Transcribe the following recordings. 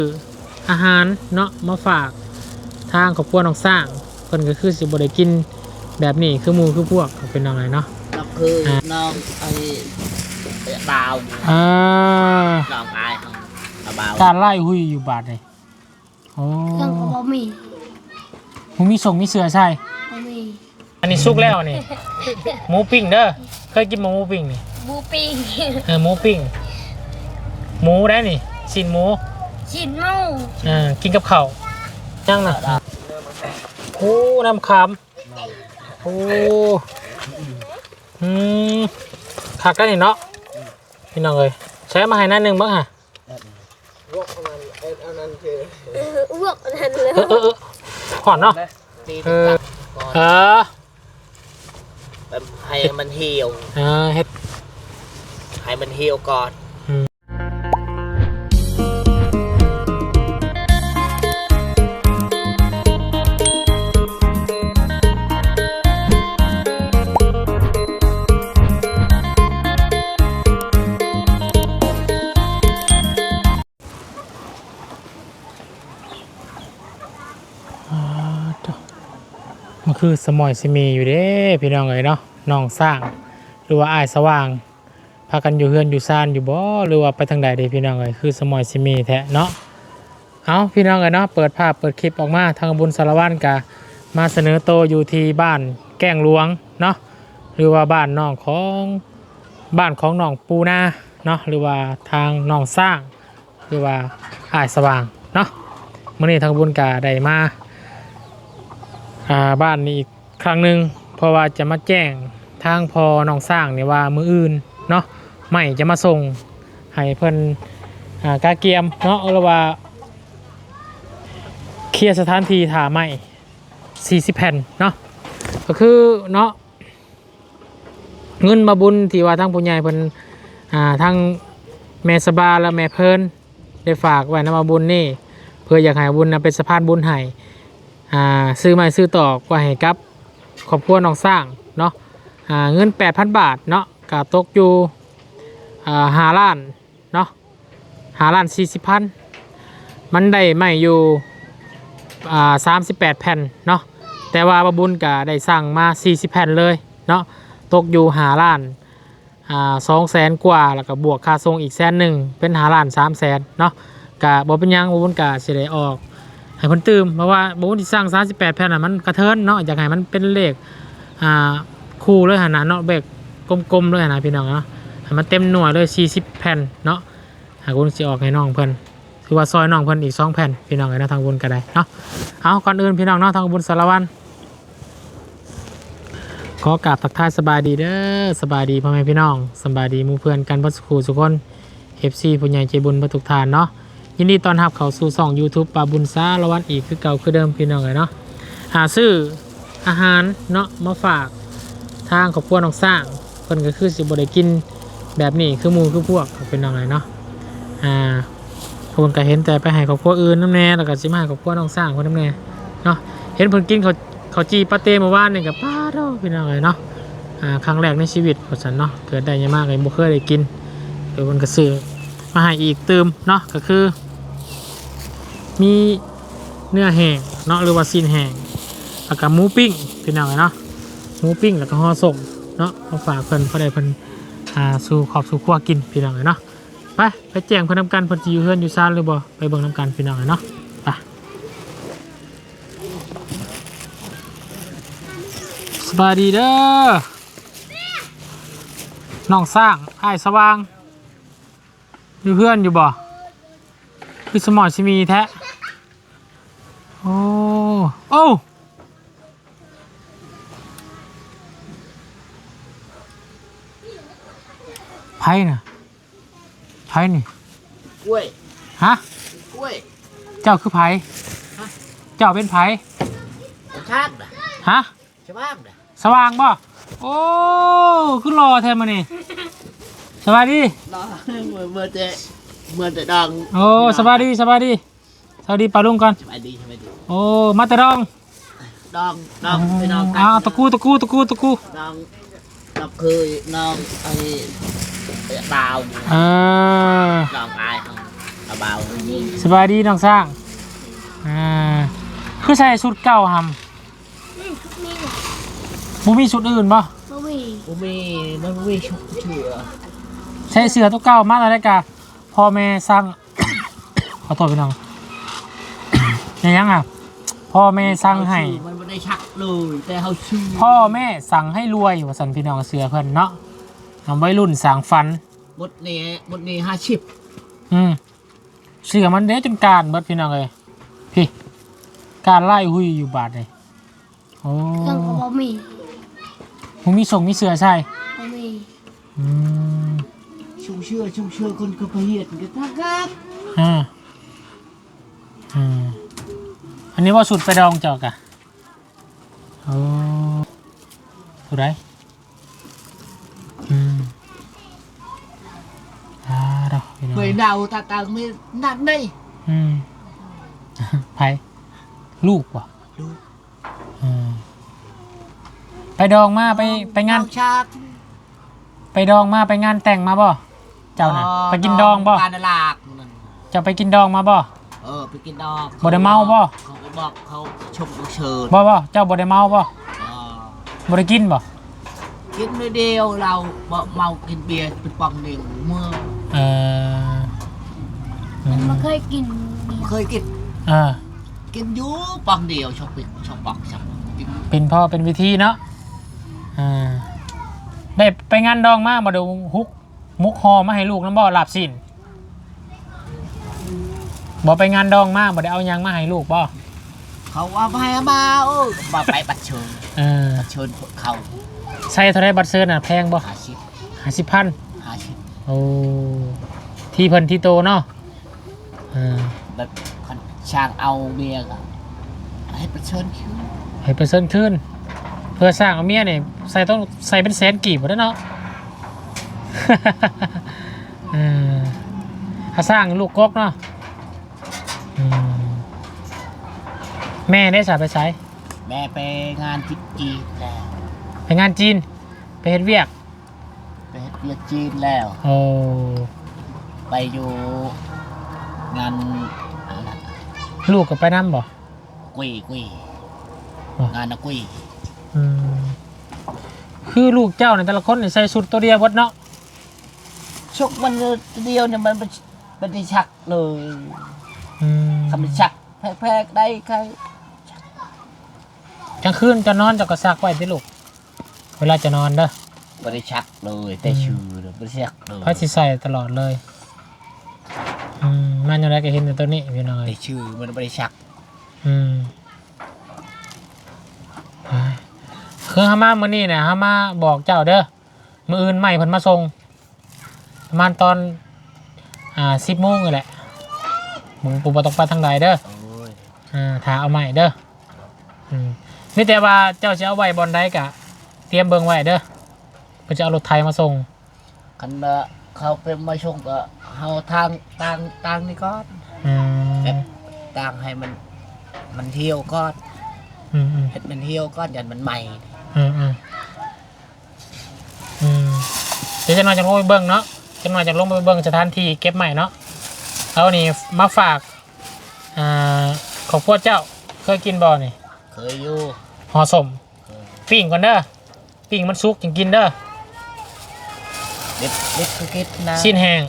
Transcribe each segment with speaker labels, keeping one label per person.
Speaker 1: อาหารเนาะมาฝากทางครอบครัวน้องสร้างเพิ่นก็คือสิบ่ได้กินแบบนี้คือหมู่คือพวกเป็นจังไดเนาะ
Speaker 2: ก็คือน้องไอ้บ่าวน้องอายของบ่าว
Speaker 1: การไล่หุยอยู่บาดนี่โอ้
Speaker 3: เครื่องก็บ่มี
Speaker 1: มีส่งมีเสือใช่
Speaker 3: บ่มี
Speaker 1: อันนี้สุกแล้วนี่หมูปิ้งเด้อเคยกินหมูปิ้งนี่
Speaker 3: หมูปิ้ง
Speaker 1: หมูปิ้งหมูได้นี่ชิ้นหมู
Speaker 3: ชิ้นหมู
Speaker 1: กินกับข้าวยังน่ะโอ้น้ำขามโอ้ผักได้นี่เนาะพี่น้องเอ้ยใช้มาให้หน้านึงบ้างฮะ
Speaker 3: อ้วกอันนั้นเลย
Speaker 1: หอนเนาะ
Speaker 2: ให้มันเหี่ยว
Speaker 1: เฮ็ด
Speaker 2: ให้มันเหี่ยวก่อน
Speaker 1: มันคือสมอยสิมีอยู่เด้พี่น้องเอ้ยเนาะน้องสร้างหรือว่าอ้ายสว่างพากันอยู่เฮือนอยู่ซ่านอยู่บ่หรือว่าไปทางใดเด้พี่น้องเอ้ยคือสมอยสิมีแท้เนาะเอาพี่น้องเอ้ยเนาะเปิดภาพเปิดคลิปออกมาทางบุญสารวัตรกะมาเสนอโตอยู่ที่บ้านแก้งหลวงเนาะหรือว่าบ้านน้องของน้องปูนาเนาะหรือว่าทางน้องสร้างหรือว่าอ้ายสว่างเนาะมื้อนี้ทางบุญกะได้มาบ้านนี้อีกครั้งหนึ่งเพราะว่าจะมาแจ้งทางพอน้องสร้างเนี่ยว่ามืออื่นเนาะไม่จะมาส่งให้เพิ่นกาเกียมเนาะหรือว่าเคลียร์สถานที่ถ่าไม่40 แผ่นเนาะก็คือเนาะเงินมาบุญที่ว่าทางผู้ใหญ่เพิ่นทางแม่สบาและแม่เพิ่นได้ฝากไว้นำมาบุญนี่เพื่ออยากให้บุญเป็นสะพานบุญให้ซื้อไม้ซื้อตอกไว้ให้กับครอบครัวน้องสร้างเนาะเงิน 8,000 บาทเนาะก็ตกอยู่5 ล้านเนาะ5 ล้าน 40 พันมันได้ไม้อยู่38 แผ่นเนาะแต่ว่าบบุญก็ได้สั่งมา40 แผ่นเลยเนาะตกอยู่5 ล้าน200,000 กว่าแล้วก็บวกค่าส่งอีก100,000เป็น5 ล้าน 300,000เนาะก็บ่เป็นหยังบบุญก็สิได้ออกให้เพิ่นตื่มเพราะว่าบบุญที่สร้าง38 แผ่นน่ะมันกระเทินเนาะอยากให้มันเป็นเลขคู่เลยหั่นน่ะเนาะเบกกลมๆเลยหั่นน่ะพี่น้องเนาะให้มันเต็มหน่วยเลย40 แผ่นเนาะหากบุญสิออกให้น้องเพิ่นคือว่าซอยน้องเพิ่นอีก2 แผ่นพี่น้องเอ้ยนะทางบุญก็ได้เนาะเอาก่อนอื่นพี่น้องเนาะทางบุญสารวัตรขอกราบทักทายสบายดีเด้อสบายดีพ่อแม่พี่น้องสบายดีหมู่เพื่อนกันเบิดทุกคน FC ผู้ใหญ่ใจบุญเบิดทุกท่านเนาะยินดีต้อนรับเข้าสู่ช่อง YouTube ปาบุญสารวัตรอีกคือเก่าคือเดิมพี่น้องเลยเนาะหาซื้ออาหารเนาะมาฝากทางครอบครัวน้องสร้างเพิ่นก็คือสิบ่ได้กินแบบนี้คือหมู่คือพวกเป็นน้องเลยเนาะเพิ่นก็เห็นแต่ไปให้ครอบครัวอื่นนำแน่แล้วก็สิมาให้ครอบครัวน้องสร้างเพิ่นนำแน่เนาะเห็นเพิ่นกินข้าวจีปาเต้เมื่อวานนี่ก็ป้าเด้อพี่น้องเลยเนาะครั้งแรกในชีวิตว่าซั่นเนาะเกิดได้ยังมากเลยบ่เคยได้กินเดี๋ยวเพิ่นก็ซื้อมาให้อีกเติมเนาะก็คือมีเนื้อแห้งเนาะหรือว่าซีนแห้งแล้วก็หมูปิ้งพี่น้องเนาะหมูปิ้งแล้วก็ห่อส้มเนาะมาฝากเพิ่นพอได้เพิ่นสู่ขอบสู่ครัวกินพี่น้องเนาะไปแจ้งเพิ่นนำกันเพิ่นสิอยู่เฮือนอยู่ซ่านหรือบ่ไปเบิ่งนำกันพี่น้องเนาะไปสบายดีเด้อน้องสร้างอ้ายสว่างอยู่เฮือนอยู่บ่คือสมอสิมีแท้โอ้ไผ่น่ะไผ่นี่
Speaker 2: กล้วย
Speaker 1: ฮะ
Speaker 2: กล้วย
Speaker 1: เจ้าคือไผ่เจ้าเป็นไผ่
Speaker 2: ชาติ
Speaker 1: ฮะ
Speaker 2: ชาวบ้าน
Speaker 1: สว่างบ่โอ้คือรอแทนมานี่สวัสดี
Speaker 2: รอเมื่อแต่ดอง
Speaker 1: โอ้สวัสดีสวัสดีปาลุงก่อน
Speaker 2: สวัสดี
Speaker 1: โอ้มาแต่ดอง
Speaker 2: ไปดอง
Speaker 1: ตะกู
Speaker 2: น้องคือน้องไอ้บ่าวน้องอายของเอาเบา
Speaker 1: สบายดีน้องสร้างคือใส่ชุดเก่าหำบ่มีชุดอื่นบ่
Speaker 2: บุมีมันบุมีชุกเชือ
Speaker 1: ใส่เสื้อตัวเก่ามาแล้วได้กะพ่อแม่สั่ง ขอโทษพี่น้อง ยังอ่ะพ่อแม่สั่งให้
Speaker 2: มันไม่ได้ชักเลยแต่เขาชื่อ
Speaker 1: พ่อแม่สั่งให้รวยว่าสันพี่น้องเสือเพิ่นเนาะทำไว้รุ่นสางฟัน
Speaker 2: บทนี้50
Speaker 1: เสือมันเด้จนการเบิดพี่น้องเลยพี่การไล่หุยอยู่บาทเลยโอ้
Speaker 3: เครื่องก็บ่มี
Speaker 1: มึงมีส่งมีเสือใช่
Speaker 3: บ่มี
Speaker 1: อืม
Speaker 2: ชุ่มเชื่อคนก็ไปเหียดกันทัก
Speaker 1: อ่าอันนี้ว่าสุดไปดองจอกอะโอ้สุดไรดอกพี่น้อง
Speaker 2: เคยเดาตาไม่นัดได้
Speaker 1: ไผลูกว่ะ
Speaker 2: ลูก
Speaker 1: ไปดองมาไปงาน
Speaker 2: ชัก
Speaker 1: ไปดองมาไปงานแต่งมาบ่เจ้าน่ะไปกินดองบ่
Speaker 2: การตลาด
Speaker 1: เจ้าไปกินดองมาบ่
Speaker 2: ไปกินดอง
Speaker 1: บ่ได้เมาบ่
Speaker 2: เขาไปบอกเขาชมเชิญ
Speaker 1: บ่เจ้าบ่ได้เมาบ่บ่ได้กินบ่
Speaker 2: กินไม่เดียวเราเมากินเบียร์เป็นปองหนึ่งเมื่อ
Speaker 3: มันเคยกินเบียร์
Speaker 2: เคยกิน กินอยู่ปองเดียวชอบปิดชอบปองชอบกิน
Speaker 1: เป็นพ่อเป็นวิธีเนาะได้ไปงานดองมาบ่ได้มุกฮอมาให้ลูกนำบ่ลาบสิ้นบ่ไปงานดองมาบ่ได้เอาหยังมาให้ลูกบ่
Speaker 2: เขาว่าไปมามาไปบัตรเชิญเชิญเขา
Speaker 1: ใส่เท่าไรบัตรเซิร์น่ะแพงบ่ 50,000
Speaker 2: 50
Speaker 1: โอ้ที่เพิ่นที่โตเนาะ
Speaker 2: แบบคนช่างเอาเมียก็ให้บัตรเชิญคิว
Speaker 1: ให้เปอร์เซ็นต์ขึ้นเพื่อสร้างเอาเมียเนี่ยต้องใส่เป็นแสนกีบหมดแล้วเนาะ ถ้าสร้างลูกกกเนาะแม่ได้สาไปใช้
Speaker 2: แม่ไปงานที่จีนแล้ว
Speaker 1: ไปงานจีนไปเฮ็ดเวียก
Speaker 2: ไปเรียกจีนแล้ว
Speaker 1: โอ้
Speaker 2: ไปอยู่งาน
Speaker 1: ลูกกับไปน้ำบ่
Speaker 2: กุยงานนะกุย
Speaker 1: คือลูกเจ้าในแต่ละคนใส่ชุดตัวเดียวหมดเนาะ
Speaker 2: ชกมันเดียวเนี่ยมันได้ชักเลยคำชักแพกได้ใคร
Speaker 1: กลางคืนจะนอนจะกระซักไว้ที่ลูกเวลาจะนอนเด้อ
Speaker 2: ไม่ได้ชักเลยแต่ชื่อเลยไม่ได้ชักเลย
Speaker 1: พระสิใส่ตลอดเลยมันยังไงก็เห็นในตัวนี้พี่น้อย
Speaker 2: แต่ชื่อมันไม่ได้ชัก
Speaker 1: คือฮามาเมื่อนี้เนี่ยฮามาบอกเจ้าเด้อมื้ออื่นใหม่เพิ่นมาส่งประมาณตอน10 โมงนี่แหละมึงปูบ่ต้องไปทางใดเด้อถ้าเอาใหม่เด้อมีแต่ว่าเจ้าจะเอาไว้บอนใดกะเตรียมเบิ่งไว้เด้อเพิ่นจะเอารถไถมาส่ง
Speaker 2: คันเขาเป็นมาชงก็เอาทางต่างนี่ก่อนแบบต่างให้มันเที่ยวก่อนเห็ดมันเที่ยวก่อนยันมันใหม่
Speaker 1: เดี๋ยวจะนอนจากลงไปเบิ่งเนาะจะนอนจากลงไปเบิ่งสถานที่เก็บใหม่เนาะเอานี่มาฝากของพวกเจ้าเคยกินบ่อนี่
Speaker 2: เคยอยู่
Speaker 1: ห่อสมปิ้งก่อนเด้อปิ้งมันสุกจึงกินเด้อ
Speaker 2: เด็ดคือคิดนะ
Speaker 1: ชิ้นแห้ง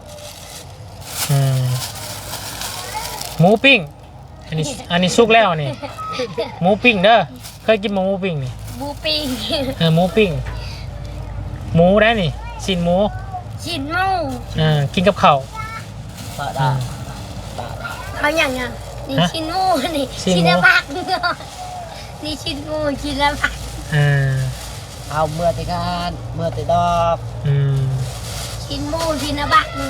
Speaker 1: หมูปิ้งอันนี้สุกแล้วนี่หมูปิ้งเด้อเคยกินหมูปิ้งนี่
Speaker 3: หมูปิ้ง
Speaker 1: หมูปิ้งหมูได้นี่ชิ้นหมู
Speaker 3: ชิ้นหมู
Speaker 1: กินกับข้าว
Speaker 2: ปะดา
Speaker 3: เขาอย่างเงี้ยนี่ชิ้นหมูนี่
Speaker 1: ชิ้นหมู
Speaker 3: ชิ้นละผักนี่ชิ้นหมูชิ้นละผัก
Speaker 2: เอาเมื่อแต่งานเมื่อแต่ดอก
Speaker 3: ชิ้นหมูชิ้นละผักเลย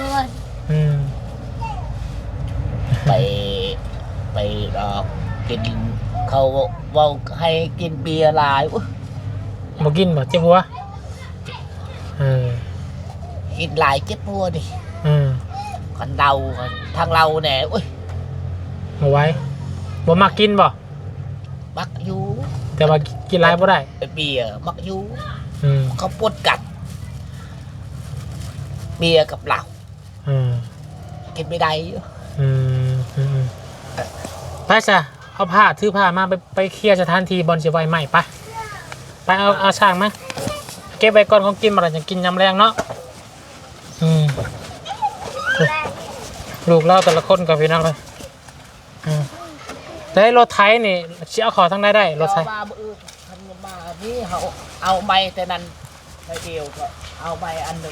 Speaker 2: ไปดอกกินเขาเว่าให้กินเบียร์หลายอุ๊ย
Speaker 1: บ่กินบ่เจ็บหัว
Speaker 2: กินหลายเจ็บปัวดิคนเราทางเราเนี่ยอุ้ย
Speaker 1: เอาไว้บ่มักกินบ่
Speaker 2: มักอยู่
Speaker 1: แต่ว่ากินหลายบ่ได้
Speaker 2: เบียร์มักอยู่เขาปวดกัดเบียร์กับเหล้ากินไม่ได้อยู่
Speaker 1: ไปจ้ะเอาผ้าถือผ้ามาไปเคลียร์สถานที่บอลเสียไวใหม่ไปเอาช่างมาเก็บไว้ก่อนของกินมาแล้วจะกินยำแรงเนาะลูกเล่าแต่ละคนกับพี่น้องเลยแต่รถไถนี่เชี่ยวขอทั้งได้รถไถ
Speaker 2: มาทำมานี่เขาเอาใบแต่นั้นใบเดียวก็เอาใบอันหนึ่ง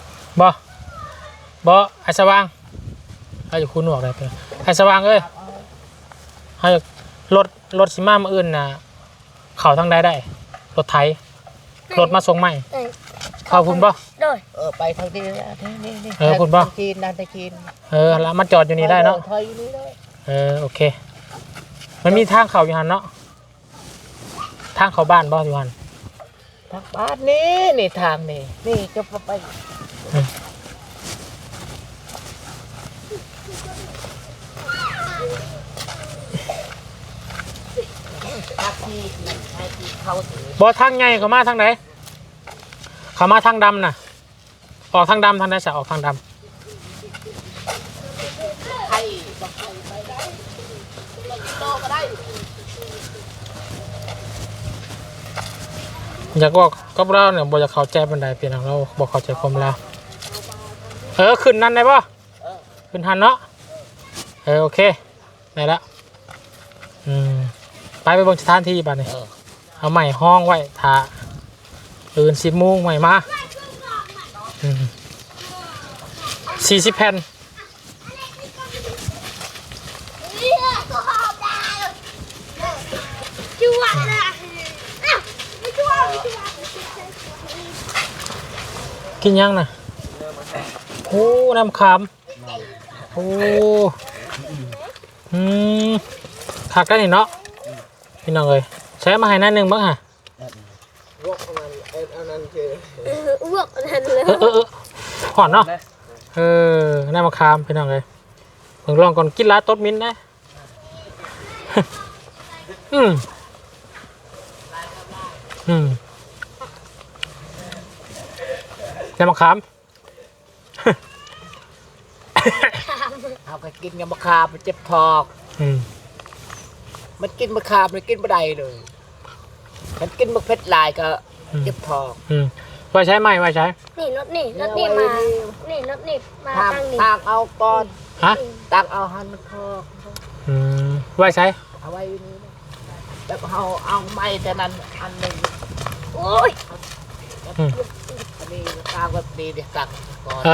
Speaker 1: บ่ไอ้สว่างไอ้อยู่คุณหนวกอะไรไปไอ้สว่างเอ้ยให้รถสิมามาอื่นน่ะเขาทั้งได้รถไถรถมาส่งใหม่เข้าคุณบ่
Speaker 2: ไปทางนี้นี่
Speaker 1: คุณบ่
Speaker 2: จีนนั่นตะจีน
Speaker 1: แล้วมาจอดอยู่นี่ได้เนาะโอเคมันมีทางเขาอยู่หันเนาะทางเขาบ้านบ่อยู่หัน
Speaker 2: ทางบ้านนี่ทางนี่จะไป
Speaker 1: บ่ทางใหญ่เขามาทางไหนเขามาทางดำน่ะออกทางดำทางไหนจะออกทางดำอยากบอกกับเราเนี่ยบอกจะเข้าใจบันไดเปลี่ยนเราบอกเข้าใจความเราขึ้นนั่นได้ป่ะขึ้นหันเนาะโอเคได้แล้วไปเบิ่งสถานที่บ้านนี่เอาใหม่ห้องไว้ถ่าตื่น10 โมงใหม่มา40 แผ่นกินยังน่ะโอ้น้ำขามโอ้ขักได้นี่เนาะพี่น้องเลยใช้มาให้นั่นหนึ่งบ้างฮะ
Speaker 3: รวกประมาณอันนั้นคือ
Speaker 4: อ้วกอันนั้นเลย
Speaker 1: หอนเนาะน้ำมะขามพี่น้องเลยเพิ่งลองก่อนกินลาต้นมิ้นนะน้ำมะขาม
Speaker 2: เอาไปกินกับมะขามมันเจ็บท้องมันกินมะขามมันกินไม่ได้เลยมันกินมะเพ็ดลายก็เจ็บท้อง
Speaker 1: ไว้ใช้ไหมไว้ใช้
Speaker 4: นี่รถนี่มานี่รถนี่มาตั้งนี่
Speaker 2: ตั้งเอาก่อนตั้งเอาหันมันท้อง
Speaker 1: ไว้ใช้
Speaker 2: เอาไว้นี่แล้วเอาไม้แต่นั้นอันหนึ่ง
Speaker 4: โอ้ย
Speaker 2: อันนี้ตั้งแบบนี้เดี๋ยวตั้งก่อน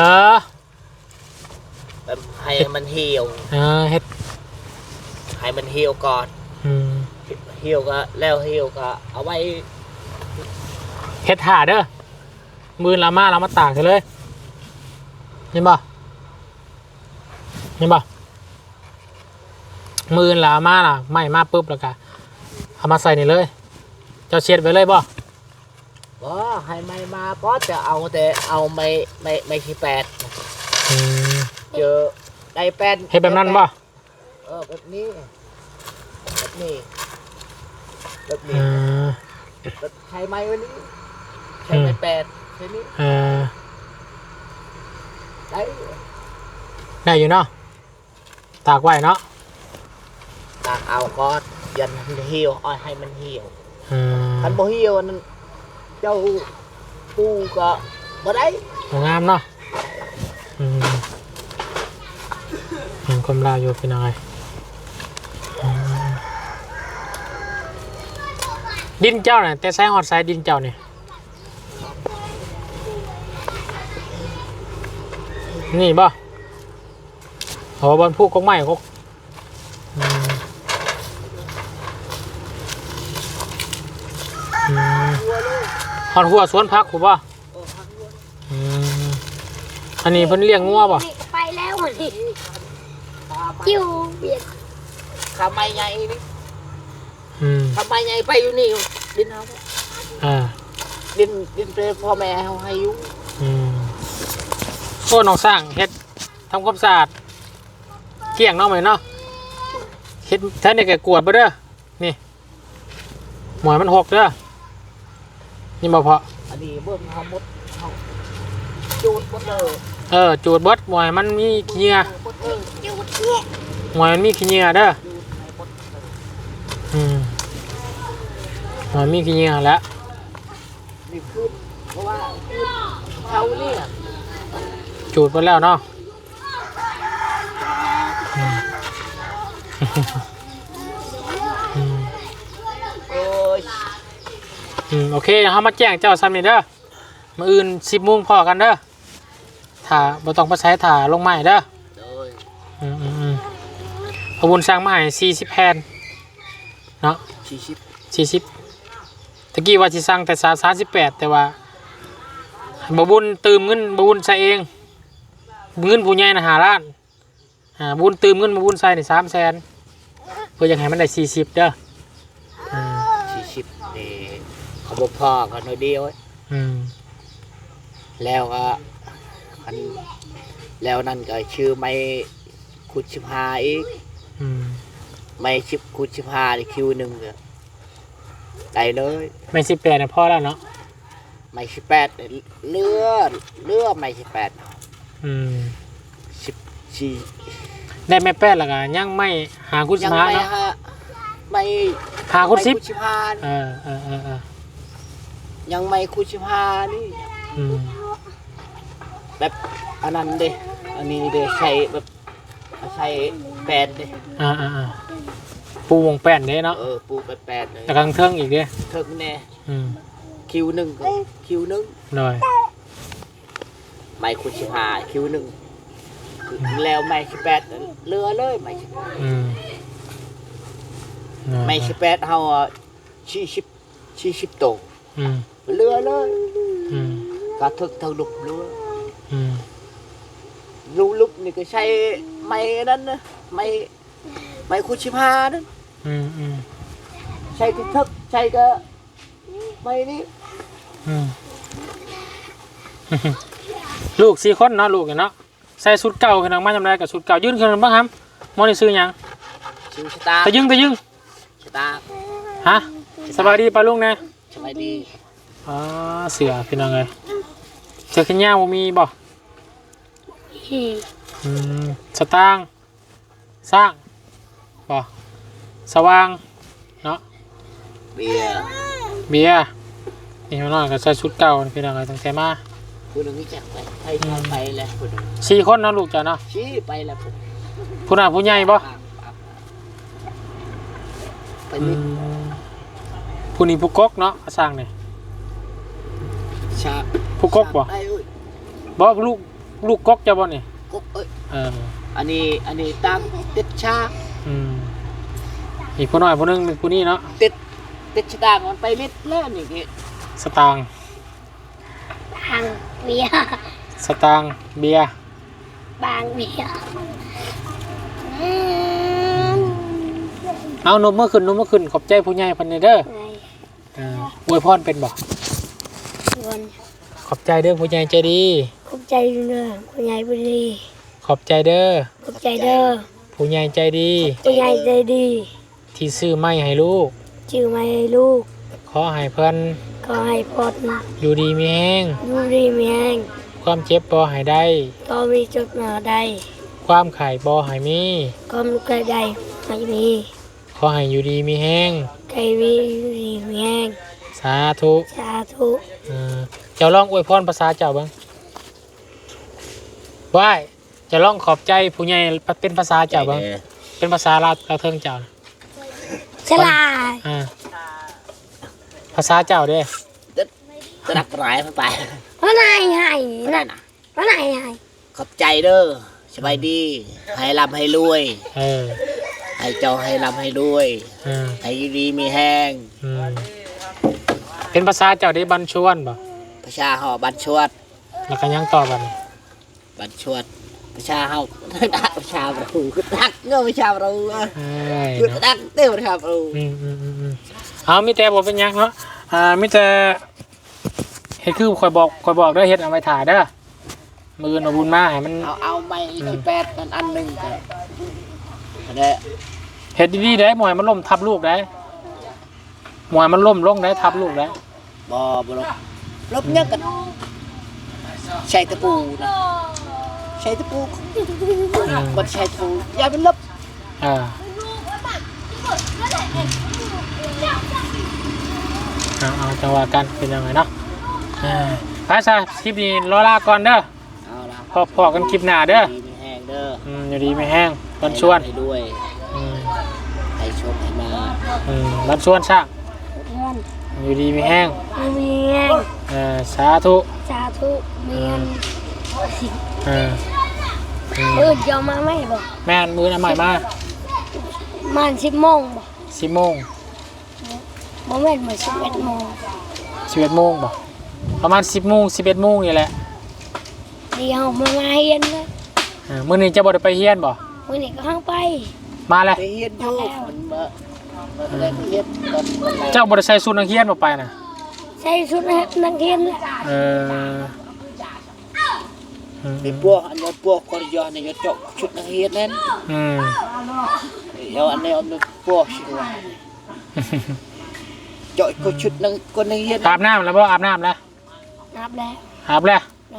Speaker 2: แบบให้มันเหี่ยว
Speaker 1: เฮ็ด
Speaker 2: ให้มันเหี่ยวก่อนเหี่ยวก็แล้วเหี่ยวก็เอาไว้
Speaker 1: เฮ็ดถ่าเด้อมือเรามาตากเลยเห็นป่ะมือเรามาล่ะไม่มาปุ๊บแล้วก็เอามาใส่นี่เลยเจ้าเช็ดไว้เลยป่ะ
Speaker 2: ให้ไม่มาก็จะเอาแต่เอาไม่ขี้แปดเจอได้แปด
Speaker 1: เฮ็ดแบบนั้นป่ะ
Speaker 2: แบบนี้ใช้ไม้วันนี้ใช้ไม้แปดใช่นี้
Speaker 1: ได้อยู่เนาะตากไว้เนาะ
Speaker 2: ตากเอาก็ยันเหี่ยวให้มันเหี่ยวคันบ่เหี่ยวนั่นเจ้าปูก็บ่ได้
Speaker 1: งามเนาะเห็นความลาวอยู่เป็นยังไงดินเจ้าเนี่ยแต่ใช้หอดสายดินเจ้าเนี่ยนี่บ่บอลพูกกงไม้กหอดหัวสวนพักผมบ่อันนี้เพิ่นเลี้ยงงัวบ่
Speaker 4: ไปแล้วนี่จิ้วเบียด
Speaker 2: ขาไม้ใหญ่นี่ขาไม้ใหญ่ไปอยู่นี่ดินเอาดินเป็นพ่อแม่เขาให้อยู่
Speaker 1: โอ้น้องสร้างเฮ็ดทำความสะอาดเกี่ยงน้องไหมเนาะเฮ็ดแท้เนี่ยแกกวดบ่เด้อนี่หมอยมันหกเด้อนี่บ่พอ
Speaker 2: อันนี้เบิ่งเฮาหมดเฮาจูดหมดเลย
Speaker 1: จูดเบิดหมอยมันมีเหี้ยหอยมันมีขี้เหงื่อเด้อหอยมีขี้เหงื่อแล้ว
Speaker 2: นี่คือเพราะว่าเขาเนี่ย
Speaker 1: จูดไปแล้วเนาะ
Speaker 2: โอ้ย
Speaker 1: โอเคเขามาแจ้งเจ้าซ้ำนี่เด้อมื้ออื่น10 โมงพอกันเด้อถ้าบ่ต้องไปใช้ถ่าลงไม้เด้อ
Speaker 2: โดย
Speaker 1: พระบุญสร้างมาให้40 แผ่นเนาะ 40ตะกี้ว่าสิสั่งแต่38แต่ว่าบ่บุญตื่มเงินบ่บุญใส่เองเงินผู้ใหญ่น่ะ5 ล้านบุญตื่มเงินบ่บุญใส่นี่300,000เพื่ออยากให้มันได้40เด้อ
Speaker 2: 40นี่เขาบอกพอกันหน่อยเดียวแล้วก็อันแล้วนั่นก็ชื่อไม่คุด15อีกไม่ชิบคุด15นี่คิวหนึ่งเลยได้เลย
Speaker 1: ไม่18น่ะพอแล้วเนาะ
Speaker 2: ไม่18เลือไม่1814
Speaker 1: ได้ไม่แป้แล้วก็ยังไม่หาคุด15เนาะ
Speaker 2: ไม่
Speaker 1: หาคุด10
Speaker 2: ยังไม่คุด15นี่แบบอันนั้นเด้อันนี้เด้ใช้แบบใช้แปดเด้
Speaker 1: ปูวงแป้นเด้เนาะ
Speaker 2: ปูแปดเลย
Speaker 1: แต่กลางเทิงอีกเด้
Speaker 2: เทิงแน่คิว1ก็คิว1
Speaker 1: หน่อย
Speaker 2: ไม่คุด15คิว1แล้วไม่18เรือเลยไม่ไม่18เฮา40โตเรือเลยก็ทึกทางลุกเรือลุกนี่ก็ใช้ไม่นั่นนะไม่คุด15นั่นใช้ทึกใช้ก็ไม่นี่
Speaker 1: ลูก4 คนเนาะลูกเนาะใส่ชุดเก่าขึ้นมาจำได้กับชุดเก่ายื่นขึ้นบ้างครับมอนี่ซื้อยัง
Speaker 2: ซื้อชะตา
Speaker 1: ตะยึง
Speaker 2: ชะตา
Speaker 1: ฮะสบายดีปะลุงนะ
Speaker 2: สบายดี
Speaker 1: เสือพี่น้องเลยเสือขึ้นย่าบ่มีบ่สตางค์สร้างบ่สว่างเนาะ
Speaker 2: เบียร์
Speaker 1: นี่พี่น้องก็ใส่ชุดเก่าพี่น้องเลยตั้งแต่มา
Speaker 2: ผู้หนึ่งนี่จักไปแล้วผู้หนึ่ง
Speaker 1: 4 คนเนาะลูกจ้ะเนาะ
Speaker 2: ไปแล้ว
Speaker 1: ผู้น่ะผู้ใหญ่บ่
Speaker 2: ไปนี่
Speaker 1: ผู้นี้ผู้กกเนาะสร้างนี่ผู้กกบ่บ่ลูกกกจะบ่นี่
Speaker 2: กกอันนี้ตั้งติดชา
Speaker 1: อีกผู้น้อยผู้นึงเป็นผู้นี้เนาะ
Speaker 2: ติดสตางค์มันไปมิดแล้วนี่
Speaker 1: สตางค์
Speaker 4: เบียร์
Speaker 1: สตางค์เบียร์
Speaker 4: บางเบียร์
Speaker 1: เอานมเมื่อคืนขอบใจผู้ใหญ่พันเด้ออวยพรเป็นบ่ขอบใจเด้อผู้ใหญ่ใจดี
Speaker 4: ขอบใจเด้อผู้ใหญ่ใจดี
Speaker 1: ขอบใจเด้อ
Speaker 4: ขอบใจเด้อ
Speaker 1: ผู้ใหญ่ใจดี
Speaker 4: ผู้ใหญ่ใจดี
Speaker 1: ที่ซื้อไม้ให้ลูก
Speaker 4: ชื่อไม้ให้ลูก
Speaker 1: ขอให้เพิ่นอยู่ดีมีแห้งความเจ็บบ่ให้ได้
Speaker 4: ก็มีจุดหนาได้
Speaker 1: ความไข่บ่ให้มี
Speaker 4: ความไข่ได้ไม่มี
Speaker 1: ขอให้อยู่ดีมีแห้ง
Speaker 4: ไข่มีอยู่ดีมีแห้ง
Speaker 1: สาธุเจ้าลองอวยพรภาษาเจ้าบ้างว่าจะลองขอบใจผู้ใหญ่เป็นภาษาเจ้าบ้างเป็นภาษาลาวเทิงเจ้า
Speaker 4: ฉลาด
Speaker 1: ภาษาเจ้าเด้
Speaker 2: จะรักหลายไป
Speaker 4: ว่าไหนนั่นว่าไหน
Speaker 2: ขอบใจเด้อสบายดีให้ร่ำให้รวยให้เจ้าให้ร่ำให้รวยให้ดีมีแห้ง
Speaker 1: เป็นภาษาเจ้าได้บัญชวนบ่
Speaker 2: ภาษาเฮาบัญชวด
Speaker 1: แล้วก็ยังต่อ
Speaker 2: บัญชวดภาษาเฮาภาษาเราคือตักเงาภาษาเราคือตักเต้าภาษาเรา
Speaker 1: เอามีแต่บ่เป็นยังเนาะมีแต่เฮ็ดคือคอยบอกเด้อเฮ็ดเอาไว้ถ่ายเด้อมือหนูบุญมาให้มัน
Speaker 2: เอาไม้ที่8อันนึงก็ได้
Speaker 1: เฮ็ดดีๆได้หมวยมันล้มทับลูกได้หมวยมันล้มลงได้ทับลูกได้
Speaker 2: บ่ล้มยังกันใช้ตะปูนะใช้ตะปูมันใช้ตะปูยายมันลบ
Speaker 1: เอาจังหวะกันเป็นยังไงเนาะพระชาคลิปนี้รอลาก่อนเด้อ
Speaker 2: เอาละ
Speaker 1: พอกันคลิปหน้าเด้อ
Speaker 2: ดีไม่แห้งเด้อ
Speaker 1: อยู่ดีไม่แห้งวันชวน
Speaker 2: ให้ด้วย
Speaker 1: อืม
Speaker 2: ให้ชมให้มา
Speaker 1: วันชวนช่างอยู่ดีไม่แห้ง
Speaker 4: เมียน
Speaker 1: สาธุ
Speaker 4: สาธุเมียน ยอมมาไหมบอก
Speaker 1: แม่นมือน้ำใหม่มา
Speaker 4: มัน10 โมงบอก
Speaker 1: 10 โมง
Speaker 4: บ่แม่นเหมือน11 โมง
Speaker 1: 11 โมงบ่ประมาณ10 โมง 11 โมงนี่แหละ
Speaker 4: เดี๋ยวมาเฮียนเลย
Speaker 1: มื้อนี้จะบ่ได้ไปเฮียนบ่
Speaker 4: วันนี้ก็ห้างไป
Speaker 1: มาเลย
Speaker 2: ไปเฮียนอยู่มันมาได้ไปเฮียนตอนวันไหน
Speaker 1: เจ้าบ่ได้ใส่ชุดนักเรียนบ่ไปน่ะ
Speaker 4: ใส่ชุดนักเรียนแหละ
Speaker 2: มีพวกอันนี้พวกคนย้อนเนี่ยจะเจาะชุดนักเรียนนั่นเดี๋ยวอันนี้เอาพวกชิวเจาะก็ชุดนักคนนักเรียน
Speaker 1: อาบน้ำแล้วบ่อาบน้ำแล้ว
Speaker 4: นับแล้ว
Speaker 1: อาบแล้ว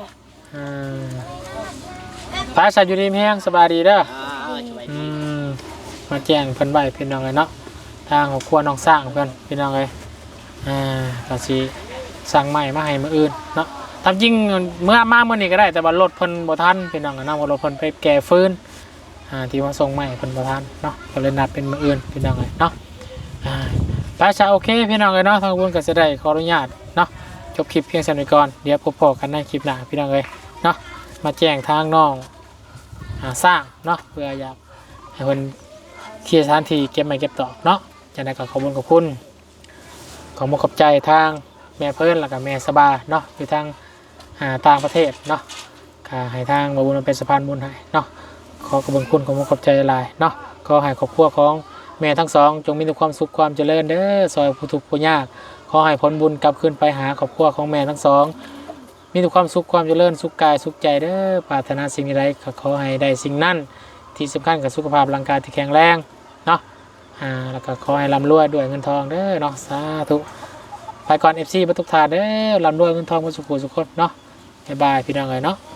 Speaker 1: พระชาอยู่ดีมีแห้งสบายดีเด้อมาแจ้งเพิ่นไว้เพิ่นน้องเลยเนาะทางของครัวน้องสร้างเพิ่นพี่น้องเลยก็สิสั่งใหม่มาให้มื้ออื่นเนาะตามจริงเมื่อมามื้อนี้ก็ได้แต่ว่ารถเพิ่นบ่ทันพี่น้องก็นำว่ารถเพิ่นไปแก่ฟืนที่มาส่งใหม่เพิ่นบ่ทันเนาะก็เลยนัดเป็นมื้ออื่นพี่น้องเลยเนาะพระชาโอเคพี่น้องเลยเนาะทางบุญก็สิได้ขออนุญาตเนาะจบคลิปเพียงเท่านี้ก่อนเดี๋ยวพบกันในคลิปหน้าพี่น้องเลยเนาะมาแจ้งทางน้องสร้างเนาะเพื่ออยากให้เพิ่นเคลียร์สถานที่เก็บไม้เก็บตอกเนาะจากนั้นก็ขอบคุณขอบใจทางแม่เพิ่นแล้วก็แม่สบาเนาะอยู่ทางต่างประเทศเนาะก็ให้ทางบบุญเป็นสะพานบุญให้เนาะขอขอบคุณขอบใจหลายเนาะขอให้ครอบครัวของแม่ทั้งสองจงมีแต่ความสุขความเจริญเด้อซอยผู้ทุกข์ผู้ยากขอให้ผลบุญกลับคืนไปหาครอบครัวของแม่ทั้งสองมีแต่ความสุขความเจริญสุขกายสุขใจเด้อปรารถนาสิ่งใดก็ขอให้ได้สิ่งนั้นที่สำคัญกับสุขภาพร่างกายที่แข็งแรงเนาะแล้วก็ขอให้ร่ำรวยด้วยเงินทองเด้อเนาะสาธุไปก่อน FC ทุกท่านเด้อร่ำรวยเงินทองมาสุขสุขคนเนาะบ๊ายบายพี่น้องเลยเนาะ